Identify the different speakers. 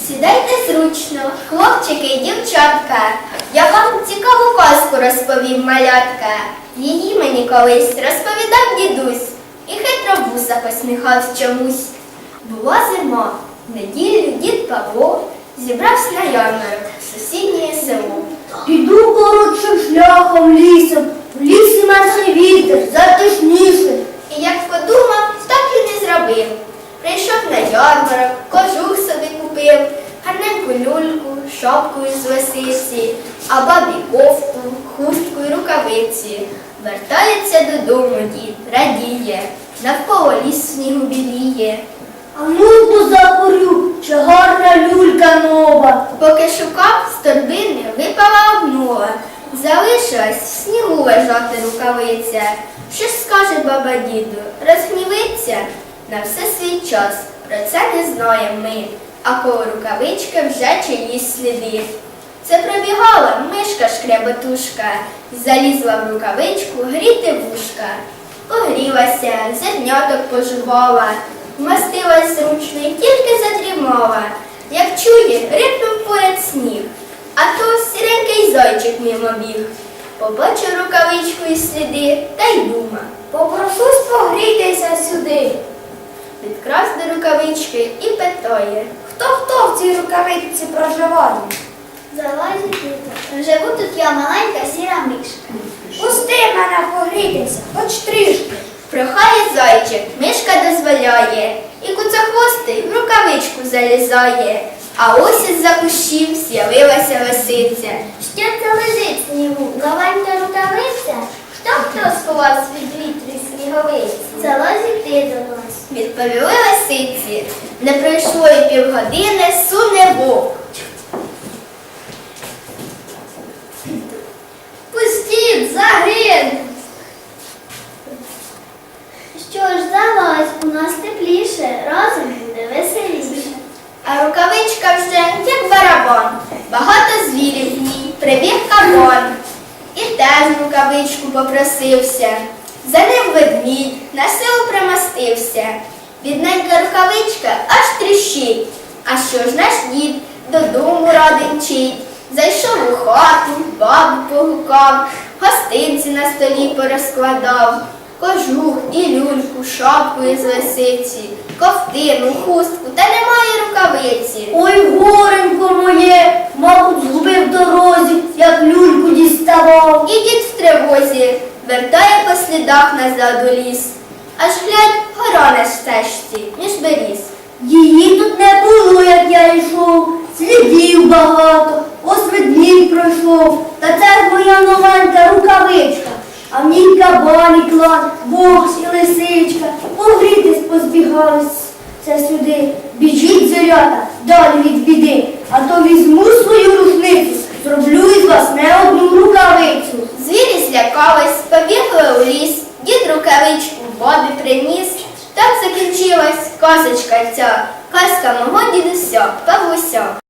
Speaker 1: Сідайте зручно, хлопчики і дівчатка. Я вам цікаву казку розповім, малятка. Її мені колись розповідав дідусь. І хитро вуса посміхавсь чомусь. Була зима, в неділю дід Павло зібрався на ярмарок в сусіднє село.
Speaker 2: Піду коротшим шляхом лісом, в лісі менше вітер, затишніше.
Speaker 1: І як подумав, так і не зробив. Прийшов на ярмарок, кожух собі купив, гарненьку люльку, шапку із лисиці, а бабі кофту, хустку й рукавиці. Вертається додому дід, радіє, навколо ліс снігу біліє.
Speaker 2: А ну закурю, чи гарна люлька нова.
Speaker 1: Поки шукав, з торбини випала обнова. Залишилась в снігу лежати рукавиця. Що ж скаже баба діду? Розгнівиться? На все свій час, про це не знаємо ми, а коло рукавички вже чиїсь сліди. Це пробігала мишка-шкряботушка, залізла в рукавичку гріти вушка. Погрілася, зерняток пожувала, вмостилась зручно і тільки задрімала. Як чує, рипнув поряд сніг, а то сіренький зайчик мимо біг. Побачив рукавичку і сліди, та й дума:
Speaker 2: Попрошусь погрітися сюди.
Speaker 1: підкрас до рукавички і питає:
Speaker 2: Хто в цій рукавичці проживає?
Speaker 1: залазить тут. Живу тут я, маленька сіра мишка.
Speaker 2: Пусти мене погрітися, хоч трішки.
Speaker 1: Прохає зайчик, мишка дозволяє, і куцохвостий в рукавичку залізає. А ось із-за кущів з'явилася лисиця.
Speaker 3: Що це лежить в снігу? Новенька рукавиця?
Speaker 1: Хто сховався від вітру й сніговиці?
Speaker 3: Залазь ти до нас.
Speaker 1: Відповіли лисиці. Не пройшло й півгодини, суне вовк.
Speaker 3: Пустіть, загин! Що ж, залазь, у нас тепліше, разом буде веселіше.
Speaker 1: А рукавичка вже як барабан. Багато звірів в ній, прибіг кабан. І теж в рукавичку попросився. За ним ведмідь, на силу примостився. Бідненька рукавичка аж тріщить. А що ж наш дід додому радий мчить? Зайшов у хату, бабу погукав, гостинці на столі порозкладав. Кожух і люльку, шапку із лисиці, ковтину, хустку, та немає рукавиці.
Speaker 2: Ой, горенько моє, мабуть, згубив в дорозі, як люльку діставав.
Speaker 1: І дід в тривозі вертає по слідах назад у ліс. Аж глядь, гора на стежці, між беріз.
Speaker 2: Її тут не було, як я йшов, слідів багато, ось ведмідь пройшов, та це ж моя новенька рукавичка. А в ній кабан і клан, вовк і лисичка, погрітись позбігалися сюди. Біжіть, зорята, далі від біди, а то візьму свою рушницю, зроблю із вас не одну рукавицю.
Speaker 1: Звірі злякались, побігли у ліс, дід рукавичку бабі приніс. Так закінчилась казочка ця, казка мого дідуся Павлуся.